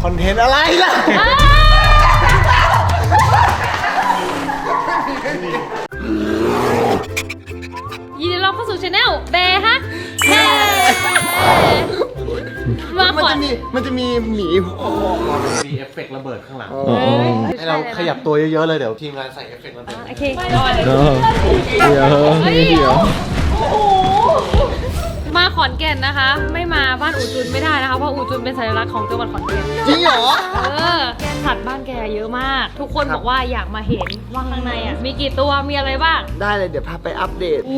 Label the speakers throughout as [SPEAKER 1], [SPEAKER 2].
[SPEAKER 1] คอนเทนต์อะไรล่ะ
[SPEAKER 2] ยินดีต้อนรับเข้าสู่ช anel แบร์ฮักเฮ้มาก่อน
[SPEAKER 1] มันจะมีหมีมีเอฟเฟกต์ระเบิดข้างหลังให้เราขยับตัวเยอะๆเลยเดี๋ยวทีมงานใส่เอฟเฟกต์ระเบิด
[SPEAKER 2] โอเค
[SPEAKER 3] เดี๋ยว
[SPEAKER 2] มาขอนแก่นนะคะ ไม่มาบ้านอู่จุนไม่ได้นะคะเพราะอู่จุนเป็นสัญลักษณ์ของจังหวัดขอนแก่น
[SPEAKER 1] จริงเหรอ
[SPEAKER 2] สัตว์บ้านแกเยอะมาก ทุกคนบอกว่าอยากมาเห็นว่าข้างในอ่ะมีกี่ตัวมีอะไรบ้าง
[SPEAKER 1] ได้เลยเดี๋ยวพาไปอัปเดต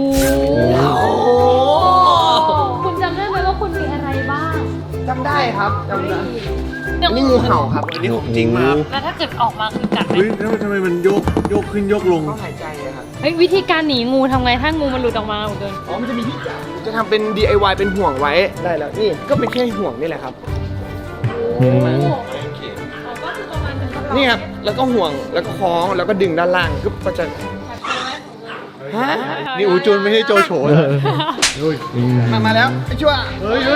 [SPEAKER 2] คุณจำได้ไหมว่าคุณมีอะไรบ้าง
[SPEAKER 1] จำได้ครับจำได้นี่งูเห่าครับอันนี้ของจริงมาก
[SPEAKER 2] แล้วถ้าเกิดออกมาคือกัดไหม
[SPEAKER 1] แล้วทำไมมันโยกขึ้นโยกลงต้องหายใจเลยครับ
[SPEAKER 2] เฮ้ยวิธีการหนีงูทำไงถ้างูมันหลุดออกมาเหมือนกัน
[SPEAKER 1] อ๋อมันจะมีที่จับจะทำเป็น DIY เป็นห่วงไว้ได้แล้วนี่ก็เป็นแค่ห่วงนี่แหละครับนี่ครับแล้วก็ห่วงแล้วก็คล้องแล้วก็ดึงด้านล่างก็จะนี่อูจูนไม่ใช่โจโฉมาแล้วไอ้ชั่ว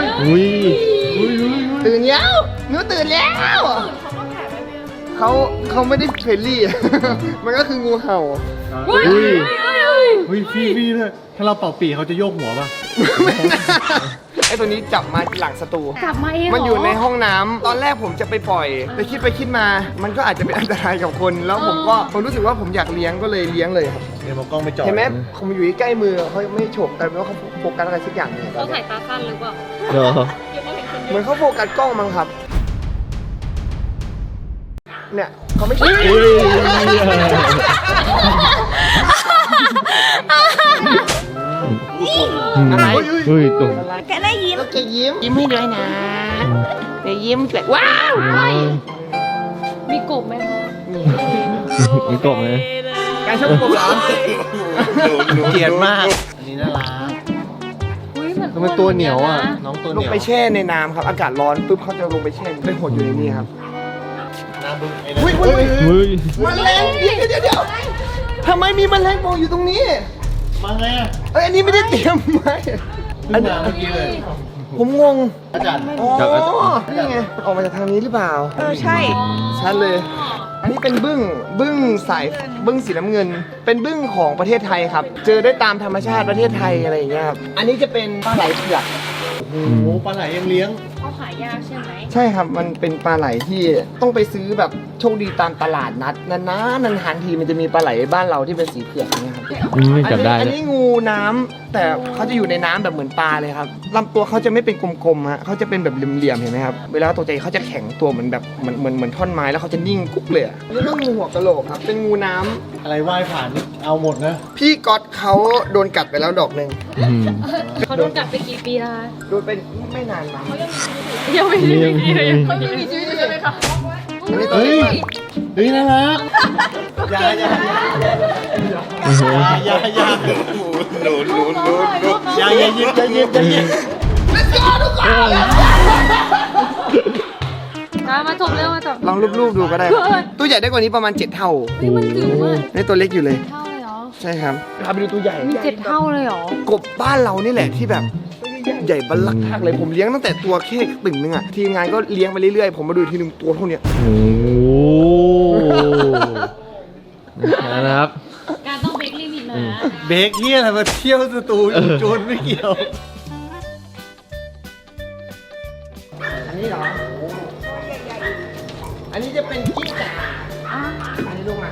[SPEAKER 1] ตื่นแล้วหนูตื่นแล้วเขาไม่ได้เฟรนลี่มันก็คืองูเห่าพี่เลยถ้าเราเป่าปีเขาจะโยกหัวป่ะไอ้ตัวนี้จับมาหลังสตู
[SPEAKER 2] จับมาเอง
[SPEAKER 1] มันอยู่ในห้องน้ำตอนแรกผมจะไปปล่อยแต่คิดไปคิดมามันก็อาจจะเป็นอันตรายกับคนแล้วผมรู้สึกว่าผมอยากเลี้ยงก็เลยเลี้ยงเลยครับเดี๋ยวกล้องไปจ่อเห็นไหมผมอยู่ใกล้มือเขาไม่ฉกแต่ว่าเขาโฟกัสอะไรสักอย่างเนี่ย
[SPEAKER 2] เขาถ่ายตาสั้นหรือเปล่า
[SPEAKER 1] เหมือนเขาโฟกัสกล้องมั้งครับเนี่ยเขาไม่ใช่อะไร
[SPEAKER 3] ตุ่ม
[SPEAKER 1] แกได้ยิ้มแกยิ้มให้ด้วยนะแกยิ้มแกว้าว
[SPEAKER 2] มีกบไหมคะ
[SPEAKER 3] มีกบไหม
[SPEAKER 1] การชอบกบเหรอเกลียดมากอันนี้น่ารัก
[SPEAKER 2] มัน
[SPEAKER 1] เป็นตัวเหนียวอ่ะน้องตัวเหนียวลงไปแช่ในน้ำครับอากาศร้อนปุ๊บเขาจะลงไปแช่ไปหดอยู่ในนี้ครับอุ้ยแมลงเดี๋ยวทำไมมีแมลงมองอยู่ตรงนี้มาไงอ่ะอันนี้ไม่ได้เตรียมไว้อันนี้เมื่อกี้เลยผมงงอาจารย์อ๋อนี่ไงออกมาจากทางนี้หรือเปล่า
[SPEAKER 4] ใช่
[SPEAKER 1] ชัดเลยอันนี้เป็นบึ้งสายบึ้งสีน้ำเงินเป็นบึ้งของประเทศไทยครับเจอได้ตามธรรมชาติประเทศไทยอะไรอย่างเงี้ยครับอันนี้จะเป็นปลาไหลเผือกโอ้โหปลาไหลยังเลี้ยง
[SPEAKER 2] เขาขายยากใช่ไหม
[SPEAKER 1] ใช่ครับมันเป็นปลาไหลที่ต้องไปซื้อแบบโชคดีตามตลาดนัดนานทีมันจะมีปลาไหลบ้านเราที่เป็นสีเผือกนะครับอันนี้งูน้ำแต่เขาจะอยู่ในน้ำแบบเหมือนปลาเลยครับลำตัวเขาจะไม่เป็นกลมๆฮะเขาจะเป็นแบบเหลี่ยมๆเห็นไหมครับเวลาตัวใจเขาจะแข็งตัวเหมือนแบบเหมือนท่อนไม้แล้วเขาจะนิ่งกุ๊กเลยนี่ก็งูหัวกะโหลกครับเป็นงูน้ำอะไรว่ายผ่านเอาหมดนะพี่ก๊อตเขาโดนกัดไปแล้วดอกนึง
[SPEAKER 2] เขาโดนกัดไปกี่ปีแล้ว
[SPEAKER 1] โดนเป็นไม่นานมา
[SPEAKER 2] ยังไม่มีชีวิตเลย
[SPEAKER 4] เขายังมีชีวิตอยู่ใช่ไหมคะ
[SPEAKER 1] เฮ้ยน่ารักอย่าอย่า
[SPEAKER 2] มาจบเร็วมาจบ
[SPEAKER 1] ลองรูปๆดูก็ได้ตัวใหญ่ได้กว่านี้ประมาณ7 เท่า
[SPEAKER 2] มันจิ๋วมาก
[SPEAKER 1] นี่ตัวเล็กอยู่เลย
[SPEAKER 2] เท่าเลยเหรอ
[SPEAKER 1] ใช่ครับพาไปดูตัวใหญ่
[SPEAKER 2] มี7 เท่าเลยเหรอก
[SPEAKER 1] บบ้านเรานี่แหละที่แบบใหญ่บัลลังก์มากเลยผมเลี้ยงตั้งแต่ตัวแค่ตึ่งนึงอ่ะทีมงานก็เลี้ยงไปเรื่อยๆผมมาดูทีนึงตัวเท่านี้
[SPEAKER 3] โอ้นะครับ
[SPEAKER 2] การต้องเบรกลิมิตนะ
[SPEAKER 1] เบรกเที่ยอะไรมาเที่ยวสตูโจนไม่เกี่ยวอันนี้เหรออันนี้จะเป็นกิ้งก่าอันนี้ลูกมา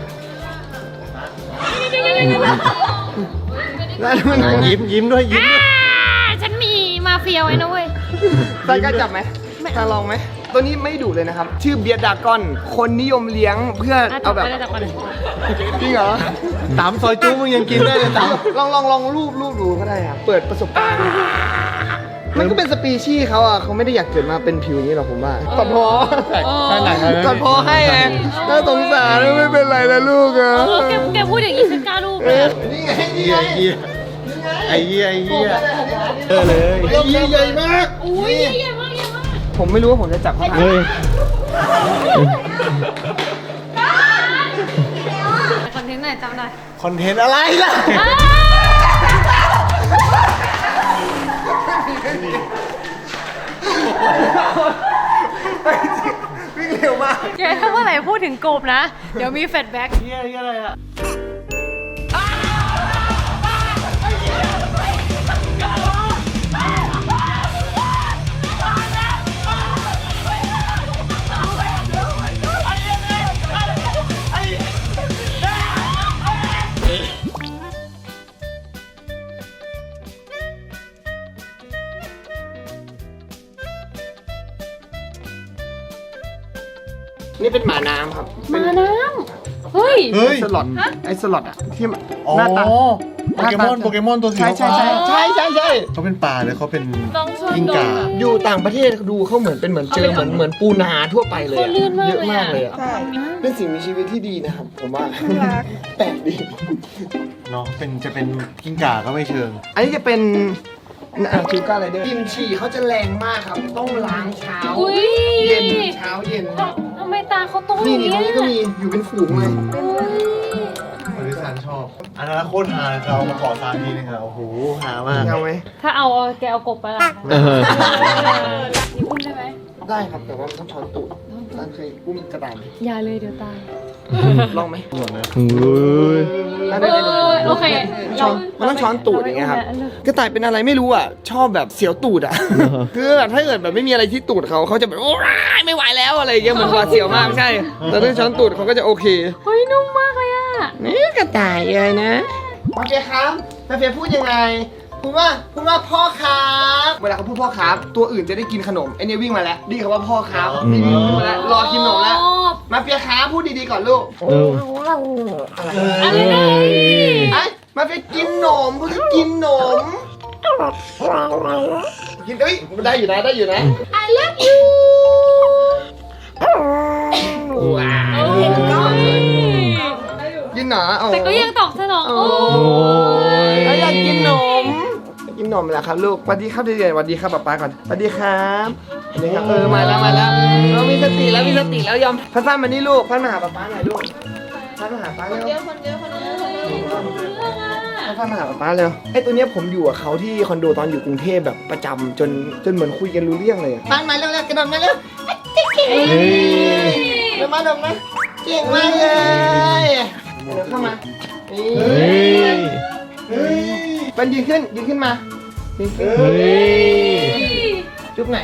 [SPEAKER 1] แล้วมันยิ้มด้วย
[SPEAKER 2] ฉันมีมาเฟียไว้นะเว้ย
[SPEAKER 1] ใส่กล้าจับไหมถ้าลองไหมตัวนี้ไม่ดุเลยนะครับชื่อเบียร์ดากอนคนนิยมเลี้ยงเพื่อเอาแบบจริงเหรอตามซอยจู้มึงยังกินได้เลยตามลองรูปดูก็ได้ครับเปิดประสบการณ์มันก็เป็นสปีชีส์เขาอ่ะเขาไม่ได้อยากเกิดมาเป็นผิวอย่างนี้หรอกผมว่าตัดพอตัดพอให้ไงน่าสงสารไม่เป็นไรนะลูกอ่ะ
[SPEAKER 2] แกพูดอย่างนี้ฉันกล้าลูกเลย
[SPEAKER 1] นี่ไงไอ้เหี้ยเลยใหญ่มาก
[SPEAKER 2] อุ้ยใหญ่มาก
[SPEAKER 1] ผมไม่รู้ว่าผมจะจับเขาไหน
[SPEAKER 2] คอนเทนต์ไหนจำได้
[SPEAKER 1] คอนเทนต์อะไรล่ะวิ่งมาก
[SPEAKER 2] แกถ้าเมื่อไหร่พูดถึงกบนะ เดี๋ยวมีแฟลชแบ็ก
[SPEAKER 1] เฮียอะไรอ่ะนี่เป็นหมาน้ำครับ
[SPEAKER 2] มาน้ำเฮ้ย
[SPEAKER 1] ไอสล็อตไอสล็อตอะที่มัน
[SPEAKER 4] อ๋อ
[SPEAKER 1] หน้าตา
[SPEAKER 4] โปเกมอนตัวสี
[SPEAKER 1] ใช่ใช่ใช่ใช่ใช่ใช่
[SPEAKER 4] เขาเป็นปลาเลยเขาเป็น
[SPEAKER 2] ต้องชวน
[SPEAKER 4] กิ้งก่า
[SPEAKER 1] อยู่ต่างประเทศดูเขาเหมือนเป็นเหมือนเจอเหมือนปูนาทั่วไปเลย
[SPEAKER 2] เขา
[SPEAKER 1] อะ
[SPEAKER 2] ลื่นมาก
[SPEAKER 1] เยอะ
[SPEAKER 2] เลย
[SPEAKER 1] มาก
[SPEAKER 2] อะ
[SPEAKER 1] เลยอะเป็นสิ่งมีชีวิตที่ดีนะครับผมว่าแปลกดี
[SPEAKER 4] เนาะจะเป็นกิ้งก่าก็ไม่เชิง
[SPEAKER 1] อันนี้จะเป็นชูการ์ไรเดอร์กลินฉี่เขาจะแรงมากครับต้องล้างเช้า
[SPEAKER 2] อุ้ย
[SPEAKER 1] เย็นเช้าเย็น
[SPEAKER 2] ทำไมตาเขาโตอ
[SPEAKER 1] นี่
[SPEAKER 2] ย่าง
[SPEAKER 1] นี่ตรง
[SPEAKER 2] เงี้ย
[SPEAKER 1] นี้ก็มีอยู่เป็นฝูงเลย
[SPEAKER 4] บริษัทชอบ อันนั้นโคตรหาเรามาขอซานทีนึงอะโอ้โหหามาก
[SPEAKER 1] เอาไหม
[SPEAKER 2] ถ้าเอาแกเอากบไปละ
[SPEAKER 3] เออ
[SPEAKER 2] นี่อุ้มได้ไหม
[SPEAKER 1] ได้ครับแต่ว่ามันต้องช้อนตูดร้านเคยอุ้มกระดาน
[SPEAKER 2] อย่าเลยเดี๋ยวตาย
[SPEAKER 1] ลองไหม
[SPEAKER 4] หมดนะ
[SPEAKER 3] โอ้ย
[SPEAKER 1] ได้
[SPEAKER 2] โอเค
[SPEAKER 1] ช้อนมันต้องช้อนตูดอย่างเงี้ยครับกระต่ายเป็นอะไรไม่รู้อ่ะชอบแบบเสียวตูดอ่ะ คือแบบถ้าเกิดแบบไม่มีอะไรที่ตูดเขาจะแบบโอ้ยไม่ไหวแล้วอะไรอย่างเงี้ยเหมือนหวาดเสียวมากใช่แต่ถ้าช้อนตูดเขาก็จะโอเค
[SPEAKER 2] เฮ้ยนุ่มมากเลยอ่ะ
[SPEAKER 1] นี่กระต่ายเลยนะโอเคครับนาเฟียพูดยังไงพูดว่าพ่อครับเวลาเขาพูดพ่อครับตัวอื่นจะได้กินขนมไอเนี่ยวิ่งมาแล้วดีคำว่าพ่อครับนี่วิ่งมาแล้วรอกินขนมแล้วมาเฟียครับพูดดีๆก่อนลูก
[SPEAKER 3] เออ
[SPEAKER 1] อะไร
[SPEAKER 2] อะไรนะ
[SPEAKER 1] ไอ้มาเฟียกินนมพูดกินนมกินเอ้ยได้อยู่นะ I love you ว้าว กินหนา
[SPEAKER 2] แต่ก็ยังตอบสนองโอ้
[SPEAKER 3] โอ้ย
[SPEAKER 1] แล้วอยากกินนมกินนมแหละครับลูกสวัสดีครับเด็กๆสวัสดีครับป๊าก่อนสวัสดีครับสวัสดีครับมาแล้วเรามีสติแล้วยอมพัดฟ้ามานี่ลูกพัดมาหาป๊าหน่อยลูกพัดมาหาป๊าเร็วพัดฟ้ามาหาป๊าเร็วไอ้ตัวเนี้ยผมอยู่กับเขาที่คอนโดตอนอยู่กรุงเทพแบบประจำจนเหมือนคุยกันรู้เรื่องเลยปังมาเร็วกระโดดมาเร็ว
[SPEAKER 3] เฮ้ย
[SPEAKER 1] เดี๋ยวมาเก่งมากเลยเดี๋ยวเข้ามานี่
[SPEAKER 3] เฮ้ย
[SPEAKER 1] มันยืนขึ้นมายืนขึ้น
[SPEAKER 3] เฮ้ย
[SPEAKER 1] จุ๊บไหน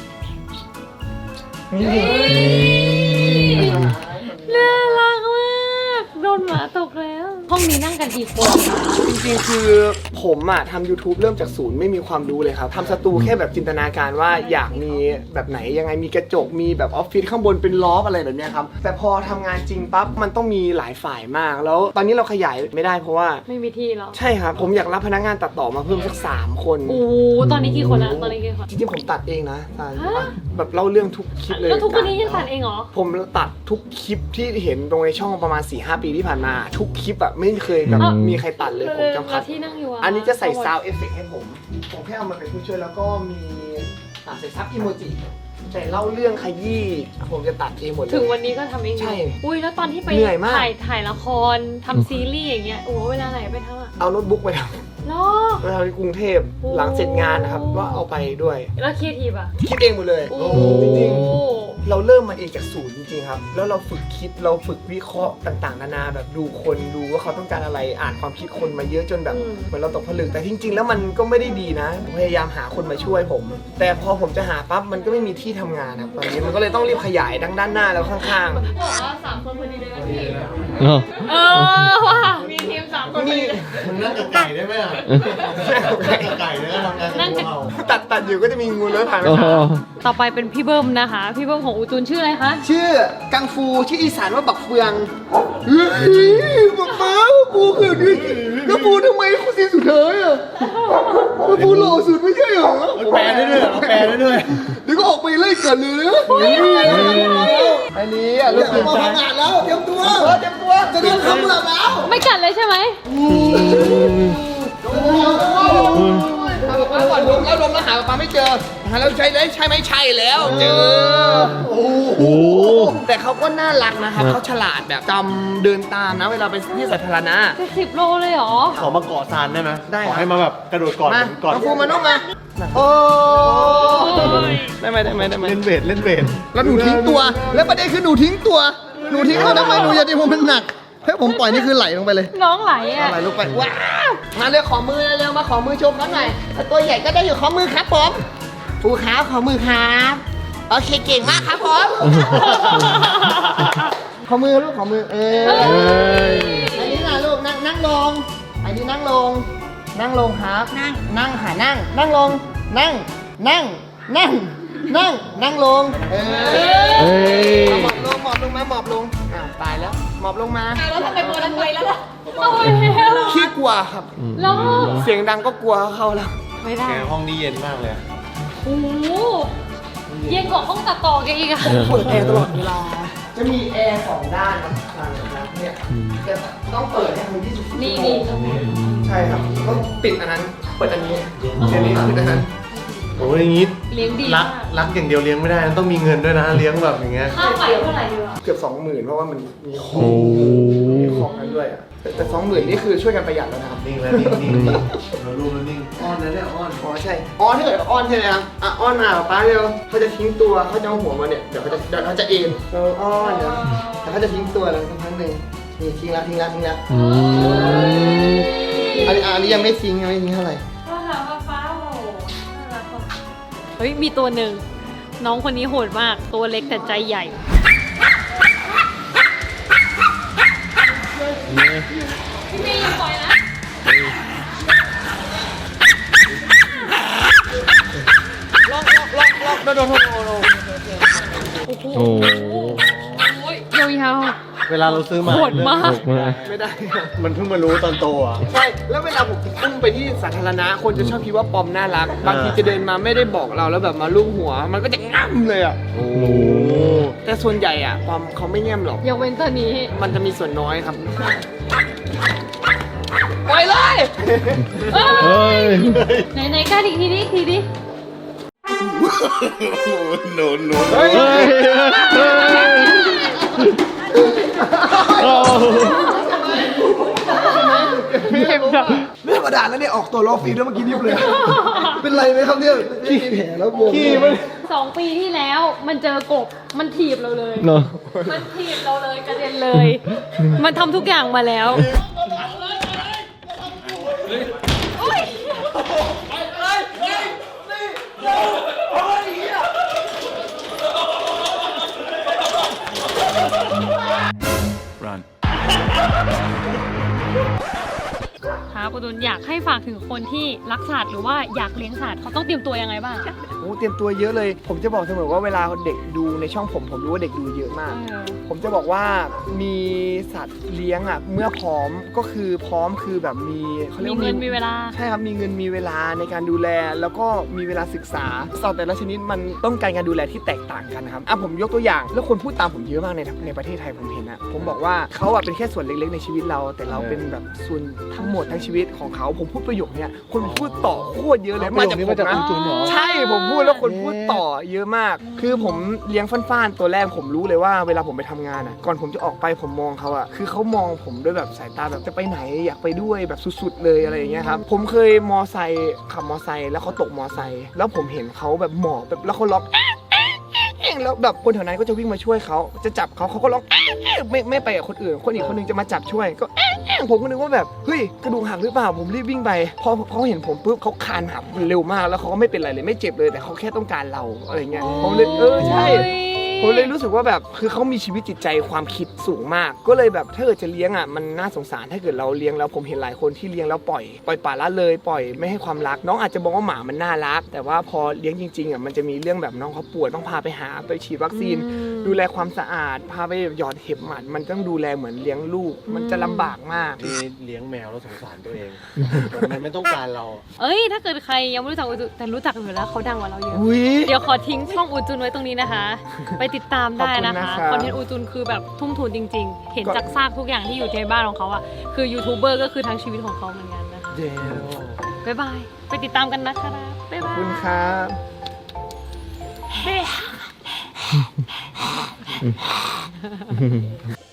[SPEAKER 2] น่ารักมากโดนหมาตกแล้ว ห้องนี้นั่งกันกี่คนคะ
[SPEAKER 1] จริงๆคือผมอะทำ YouTube เริ่มจากศูนย์ไม่มีความรู้เลยครับทำสตูแค่แบบจินตนาการว่าอยากมีแบบไหนยังไงมีกระจกมีแบบออฟฟิศข้างบนเป็นล็อบอะไรแบบเนี้ยครับแต่พอทำงานจริงปั๊บมันต้องมีหลายฝ่ายมากแล้วตอนนี้เราขยายไม่ได้เพราะว่า
[SPEAKER 2] ไม่มีที่แล้ว
[SPEAKER 1] ใช่ครับผมอยากรับพนักงานตัดต่อมาเพิ่มสัก3 คน
[SPEAKER 2] โอ้ตอนนี้กี่คนละตอนนี้กี่คน
[SPEAKER 1] จริงๆผมตัดเองนะตา
[SPEAKER 2] ฮะ
[SPEAKER 1] แบบเล่าเรื่องทุกคลิปเลย
[SPEAKER 2] แล้วทุกวันนี้ยังตัดเองเหรอ
[SPEAKER 1] ผมตัดทุกคลิปที่เห็นตรงในช่องประมาณ 4-5 ปีที่ผ่านมาทุกคลิปอะไม่เคยแบบมีใครตัดเลยผมจำคั
[SPEAKER 2] แล้
[SPEAKER 1] ด
[SPEAKER 2] วที่นั่งอยู่
[SPEAKER 1] อันนี้จะใส่ซาวเอฟเฟกให้ผมแค่เอามาเป็นผู้ช่วยแล้วก็มีใส่ซับอีโมจิแต่เล่าเรื่องขยี้ผมจะตัดเองหมดเลย
[SPEAKER 2] ถึงวันนี้ก็ทำเองอยู่
[SPEAKER 1] ใช่
[SPEAKER 2] อุ้ยแล้วตอนที่ไป
[SPEAKER 1] เหนื่อยมาก
[SPEAKER 2] ถ่ายละครทำซีรีส์อย่างเงี้ยโอ้เวลาไหนไปทำอะ
[SPEAKER 1] เอาโน้ตบุ๊กไปท
[SPEAKER 2] ล้อ
[SPEAKER 1] ำไปทำที่กรุงเทพ
[SPEAKER 2] โอ้
[SPEAKER 1] หลังเสร็จงานนะครับก็เอาไปด้วย
[SPEAKER 2] แล้วครีเอทีฟอะ
[SPEAKER 1] คิดเองหมดเลย
[SPEAKER 2] โอ้
[SPEAKER 1] จริงๆเราเริ่มมาเองจากศูนย์จริงๆครับแล้วเราฝึกคิดเราฝึกวิเคราะห์ต่างๆนานาแบบดูคนดูว่าเขาต้องการอะไรอ่านความคิดคนมาเยอะจนแบบเหมือนเราตกผลึกแต่จริงๆแล้วมันก็ไม่ได้ดีนะผมพยายามหาคนมาช่วยผม แต่พอผมจะหาปั๊บมันก็ไม่มีที่ทำงานครับตอนนี้มันก็เลยต้องรีบขยายดังด้านหน้าแล้วข้าง
[SPEAKER 2] บอกว่า3 คนพอดีเลยนะพี่
[SPEAKER 3] เนาะ
[SPEAKER 2] ว่ะมีทีม3 คน
[SPEAKER 1] ๆนี่
[SPEAKER 4] มึงนั่งกับไก่ได้ไหมอ่ะนั่งกับไก่แล้วทำงานกับเรา
[SPEAKER 1] ตัดอยู่ก็จะมีงูเลื้อยผ่านไป
[SPEAKER 3] โอ้โห
[SPEAKER 2] ต่อไปเป็นพี่เบิ้มนะคะ พี่เบิ้มของอูจูนชื่ออะไรคะ
[SPEAKER 1] ชื่อกังฟูชื่ออีสานว่าบักเฟืองบักเฟืองกูคือนี่แล้วปูทำไมคุณซีสุดท้ายอ่ะแล้วปูหล่อสุดไม่ใช่เหรอ
[SPEAKER 4] แปลได้ด้วยเหรอแปลได้ด้วย
[SPEAKER 1] เดี๋ยวก็ออกไปไล่กันเลยนะอันนี้อ่ะลูกมาทำงานแล้วเตรียมตัวจะโดนทำแล้ว
[SPEAKER 2] ไม่กัดเลยใช่ไหม
[SPEAKER 1] ก่อนดมแล้วหาปลาไม่เจอหาแล้วใช่ไหมใช่แล้วเจอ
[SPEAKER 3] โอ้โห
[SPEAKER 1] แต่เขาก็น่ารักนะครับเขาฉลาดแบบจำเดินตามนะเวลาไปที่สาธารณะ
[SPEAKER 2] 10 โลเลยเหรอ
[SPEAKER 4] ขอมาเกาะซานได้ไหม
[SPEAKER 1] ได้
[SPEAKER 4] ขอให้มาแบบกระโดดก่อน
[SPEAKER 1] มา
[SPEAKER 4] ก่อน
[SPEAKER 1] น้องฟูมานุ่มมาโอ้ได้ไหม
[SPEAKER 4] เล่นเวท
[SPEAKER 1] แล้วหนูทิ้งตัว แล้วประเด็นคือหนูทิ้งตัวทำไมหนูอย่าทิ้งผมมันหนักให้ผมปล่อยนี่คือไหลลงไปเลย
[SPEAKER 2] น้องไหลอ่ะ
[SPEAKER 1] ไหลลงไปว้าวมาเร็วขอมือเร็วมาขอมือโชว์เขาหน่อยตัวใหญ่ก็ได้อยู่ขอมือครับผมปูครับขอมือครับโอเคเก่งมากครับผมขอมือลูกขอมืออันนี้นะลูกนั่งลงอันนี้นั่งลงครับนั่งค่ะนั่งลงนั่งลงหมอบลงมาหมอบลงอ้าวตายแล้วหมอบลงมา
[SPEAKER 2] แล้วทำไมตัวนั้นไปแล้วล่ะเอาไปแล้ว
[SPEAKER 1] ขี้กลัวครับ
[SPEAKER 2] แล้ว
[SPEAKER 1] เสียงดังก็กลัวเข้าแล้ว
[SPEAKER 2] ไม่ได้
[SPEAKER 4] แกห้องนี้เย็นมากเลย
[SPEAKER 2] โอ้โหเย็นกว่าห้องตัดต่อแกอีกอะ
[SPEAKER 1] เปิดแอร์ตลอดเวลาจะมีแอร์2ด้านนะเนี่ยจะต้องเปิดให้มันที่สุด
[SPEAKER 2] นี่
[SPEAKER 1] ใช่ครับต้องปิดอันนั้นเปิดอันนี้อันนี้ปิดอันนั้น
[SPEAKER 4] โอ้ยอย่างงี้
[SPEAKER 2] เลี้ยงดี
[SPEAKER 4] รัก
[SPEAKER 2] มาก
[SPEAKER 4] รักอย่างเดียวเลี้ยงไม่ได้ต้องมีเงินด้วยนะเลี้ยงแบบอย่างเงี้ย
[SPEAKER 2] ค่าไฟเท่าไหร่ดีวะ
[SPEAKER 1] เกือบ 20,000เพราะว่ามันมีขอ
[SPEAKER 3] โอ้
[SPEAKER 1] งมีของกันด้วยอะแต่20,000นี่คือช่วยกันประหยัดแล้วนะครับ
[SPEAKER 4] นิ่งแล้วนิ่งเราลูกแล้วนิ่งอ้อนนะเนี่ยอ้อน
[SPEAKER 1] อ๋อใช่อ๋อถ้าเกิดอ้อนใช่ไหมครับอ่ะอ้อนมาป้าเร็วเขาจะทิ้งตัวเขาจะเอาหัวมาเนี่ยเดี๋ยวเขาจะเอ็นอ้อนเดี๋ยวแต่เขาจะทิ้งตัวแล้วสักพักหนึ่งนี่ทิ้งแล้ว
[SPEAKER 3] อืม
[SPEAKER 1] อันนี้ยังไม่ทิ้งเท่าไหร่
[SPEAKER 2] ก็ถามว่าฟ้าโหน่ารักว่ะเฮ้ยมีตัวหนึ่งน้องคนนี้โหดมากตัวเล็กแต่ใจใหญ่พี่เมย์อย่าปล่อยนะ
[SPEAKER 1] ล็อกโดน
[SPEAKER 3] โอ้
[SPEAKER 2] ยาว
[SPEAKER 4] เวลาเราซื้อมา
[SPEAKER 2] โหดมาก
[SPEAKER 3] ตกมา
[SPEAKER 1] ไม่ได้
[SPEAKER 4] มันเพิ่งมารู้ตอนโตอ่ะ
[SPEAKER 1] ใช่แล้วเวลาผมอุ้มไปที่สาธารณะคนจะชอบคิดว่าปอมน่ารักบางทีจะเดินมาไม่ได้บอกเราแล้วแบบมาลูบหัว มันก็จะง่ำเลยอ่ะ
[SPEAKER 3] โอ้
[SPEAKER 1] แต่ส่วนใหญ่อ่ะปอมเขาไม่แง่มหรอก
[SPEAKER 2] ยกเว้นตัวนี้
[SPEAKER 1] มันจะมีส่วนน้อยครับปล่อยเลย
[SPEAKER 3] เฮ้ย
[SPEAKER 2] ไหนกล้าอีกทีดิ
[SPEAKER 1] เฮ้ย
[SPEAKER 3] เฮ้ยโอ้
[SPEAKER 1] ไม่ธรรมดาแล้วเนี่ยออกตัวล้อฟรีด้วยเมื่อกี้นิบเลย เป็นไรไหมครับเนี่ยขี้แผลแล้วบวม
[SPEAKER 2] 2 ปีที่แล้วมันเจอกบมันถีบเราเลย
[SPEAKER 3] เนาะ
[SPEAKER 2] มันถีบเราเลยกระเด็นเลย มันทำทุกอย่างมาแล้ว ครับปุตุนอยากให้ฝากถึงคนที่รักสัตว์หรือว่าอยากเลี้ยงสัตว์เขาต้องเตรียมตัวยังไงบ้าง
[SPEAKER 1] โอ้เตรียมตัวเยอะเลย ผมจะบอกเสมอว่าเวลาเด็กดูในช่องผมรู้ว่าเด็กดูเยอะมาก ผมจะบอกว่ามีสัตว์เลี้ยงอ่ะเมื่อพร้อมก็คือพร้อมคือแบบมีเขาเรีย
[SPEAKER 2] มี
[SPEAKER 1] กว่า
[SPEAKER 2] เงินมีเวลา
[SPEAKER 1] ใช่ครับมีเงินมีเวลาในการดูแล แล้วก็มีเวลาศึกษาสัตว์แต่ละชนิดมันต้องการการดูแลที่แตกต่างกันนะครับผมยกตัวอย่างแล้วคนพูดตามผมเยอะมากในประเทศไทยผมเห็นนะผมบอกว่าเขาอ่ะเป็นแค่ส่วนเล็กๆในชีวิตเรา แต่เราเป็นแบบส่วนทั้งหมดทั้งชีวิตของเขาผมพูดประโยคเนี้ยคนพูดต่อโคตรเยอะเลยมาจากผมนะ
[SPEAKER 4] จุนเหรอ
[SPEAKER 1] ใช่ผมพูดแล้วคนพูดต่อเยอะมาก คือผมเลี้ยงฟ้านๆตัวแรกผมรู้เลยว่าเวลาผมไปทำงานอ่ะก่อนผมจะออกไปผมมองเขาอ่ะคือเขามองผมด้วยแบบสายตาแบบจะไปไหนอยากไปด้วยแบบสุดๆเลยอะไรอย่างเงี้ยครับผมเคยขับมอไซค์แล้วเขาตกมอไซค์แล้วผมเห็นเขาแบบหมอบแบบแล้วเขาล็อกแล้วแบบคนแถวนั้นก็จะวิ่งมาช่วยเขาจะจับเขาก็ล็อกไม่ไปกับคนอื่นคนอีกคนนึงจะมาจับช่วยก็ผมก็นึกว่าแบบเฮ้ยกระดูกหักหรือเปล่าผมรีบวิ่งไปพอเขาเห็นผมปุ๊บเขาคานหักเร็วมากแล้วเขาก็ไม่เป็นไรเลยไม่เจ็บเลยแต่เขาแค่ต้องการเราอะไรเงี้ยผมเลยใช่ผมเลยรู้สึกว่าแบบคือเขามีชีวิตจิตใจความคิดสูงมาก ก็เลยแบบถ้าเกิดจะเลี้ยงอ่ะมันน่าสงสารถ้าเกิดเราเลี้ยงแล้วผมเห็นหลายคนที่เลี้ยงแล้วปล่อยปละละเลยปล่อยไม่ให้ความรักน้องอาจจะมองว่าหมามันน่ารัก แต่ว่าพอเลี้ยงจริงๆอ่ะมันจะมีเรื่องแบบน้องเขาป่วยต้องพาไปหาไปฉีดวัคซีน ดูแลความสะอาดพาไปหยอดเห็บหมัดมันต้องดูแลเหมือนเลี้ยงลูก มันจะลำบากมาก
[SPEAKER 4] ที่เลี้ยงแมวแล้วสงสารตัวเอง มันไม่ต้องการเรา
[SPEAKER 2] เอ้ยถ้าเกิดใครยังไม่รู้จักอูจุนแต่รู้จักอยู่แล้วเขาดังกว่าเราเยอะ
[SPEAKER 1] อุ้ย
[SPEAKER 2] เดี๋ยวขอทิ้งช่องอูจุนไว้ตรงนี้นะคะ ไปติดตามได้นะคะ
[SPEAKER 1] ขอบคุณนะครับ
[SPEAKER 2] คอนเทนต์อูจุนคือแบบทุ่มทุนจริง ๆ เห็นจากซากทุกอย่างที่อยู่ในบ้านของเขาอะคือยูทูบเบอร์ก็คือทั้งชีวิตของเขาเหมือนกันนะคะ
[SPEAKER 1] เดี๋ยว
[SPEAKER 2] บ๊ายบายไปติดตามกันนะคะบ๊าย
[SPEAKER 1] ขอ
[SPEAKER 2] บบา
[SPEAKER 1] บ
[SPEAKER 2] ย
[SPEAKER 1] คุณครับ
[SPEAKER 2] เฮ้